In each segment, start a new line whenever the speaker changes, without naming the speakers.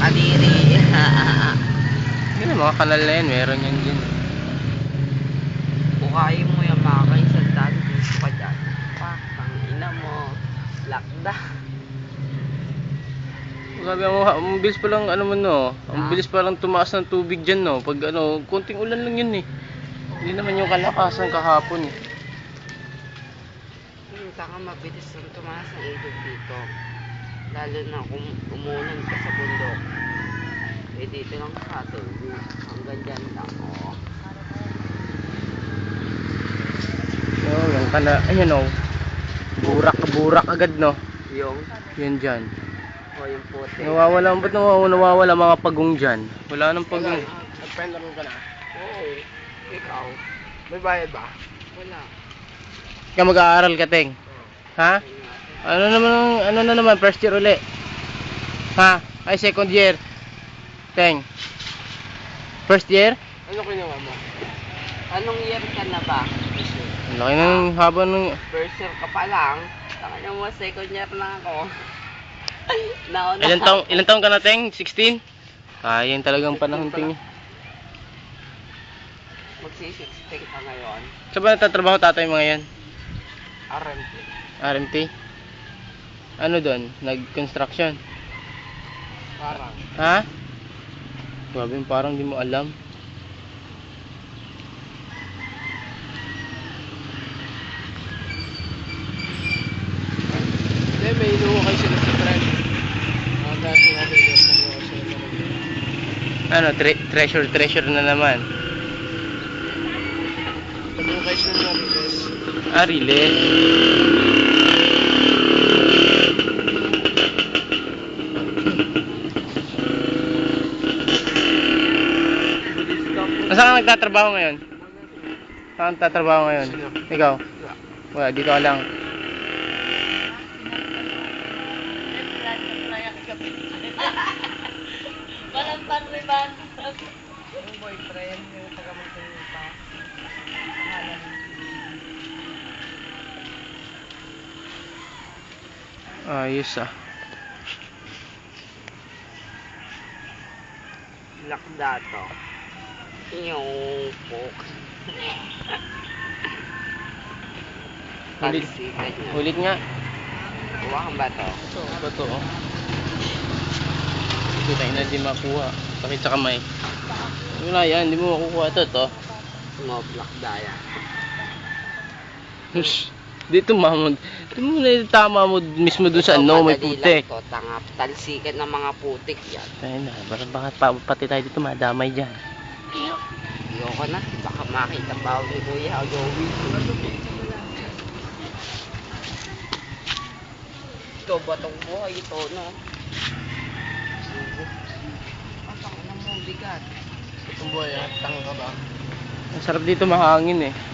kadiri.
Yun ang mga kanal na yan, meron yan dyan.
Bukayin mo yung mga kaisandaan. Gusto ka dyan. Pak, ina mo. Lakda.
Sabi mo, ang bilis pa lang, ano mo no, ang bilis pa lang tumaas ng tubig dyan no, pag ano, konting ulan lang yun eh. Hindi naman yung kalakasan kahapon eh.
Saka mabilis lang tumaas ang ilog dito. Lalo na kung umulan ka sa bundok. Eh dito lang sa atin. Hanggang dyan lang, oh.
Oh, yung kana, ayun oh. Burak agad no.
Yung?
Yan dyan.
O yung puti.
Nawawala, ba't nawawala mga pagong dyan? Wala nang pagong.
Nag-pendler ka na?
Oo. Ikaw?
May bayad ba?
Wala.
Ikaw mag-aaral ka, Teng? Ha? Ano na naman, first year uli? Ha? Ay, second year? Teng? First year?
Ano kinuha mo?
Anong year ka na ba?
Ang laki ng haba ng...
First year ka pa lang. Taka mo, second year na ako. Nauna
Ilan taong ka na, Teng? 16? Yan talagang panahon, Teng.
Magsi-16 ka ngayon.
Saan ba natatrabaho tatay mo ngayon?
RMT.
RMT? Ano doon? Nag-construction?
Parang.
Ha? Grabe, parang di mo alam.
Hindi, may inuho kayo sila sa trend. Dati natin yung pag-uwa sila.
Ano, treasure na naman.
Pag-uwa kayo sila na release.
Riles. Saan ka nagtatrabaho ngayon? Saan ka nagtatrabaho ngayon? Ikaw? Wala, dito ka lang.
Walang panriban. Yung boyfriend, yung taga-magtanong pa.
Ayos ah.
Lakda to. Yung pok.
Ulit.
Talsikan niya.
Ulit nga.
Huwakan ba to?
Ito, bato oh. Ito tayo na di makuha. Sakit sa kamay. Wala yan, di mo makukuha ito.
Mga lakda yan.
Hush. Dito mamod. Di mo na tama mo mismo dun sa ano, may putik.
To, tanga, talsikan ng mga putik yan.
Ayun na, bakit pati tayo dito madamay dyan.
Ayoko na, baka makita pa ako ni Kuya Joey. Ito, batong buhay ito, no? Atang na mo, bigat.
Itong buhay, tanga ka ba?
Ang sarap dito, mahangin eh.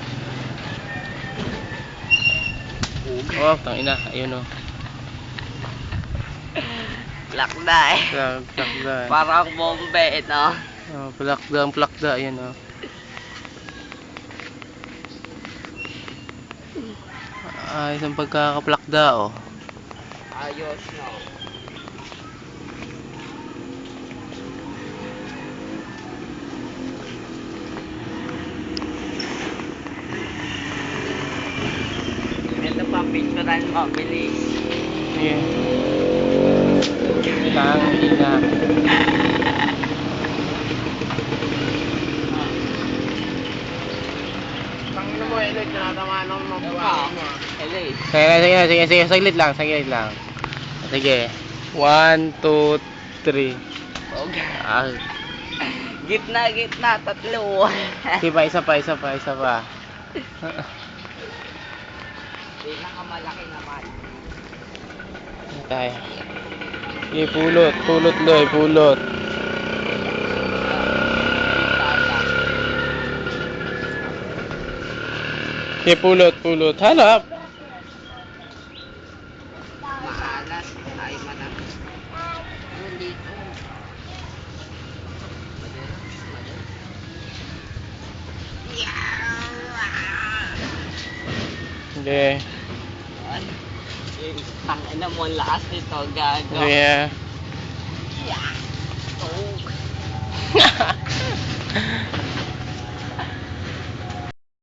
Oh, tangina, ayun oh.
Lakda eh.
Plakda.
Parang bombe, no?
Oh, plakda, ayun oh. Ayos ang pagkakaplakda oh.
Ayos, no? Ito pa, picturean mo, bilis.
Yeah. Tangina.
Tangina mo, Elec, nakatamaan ako ng buhay mo.
Elise.
Sige, saglit lang. Sige. 1, 2, 3.
Okay.
Ah,
Gitna, tatlo.
isa pa.
Pinakamalaki naman.
Tayo. Sige, pulot loy, pulot. Sige, pulot. Hanap.
Maalas, ay manang. Yun dito.
Sige.
Tangina mo, ang lakas nito, gago.
Sige.
Yeah.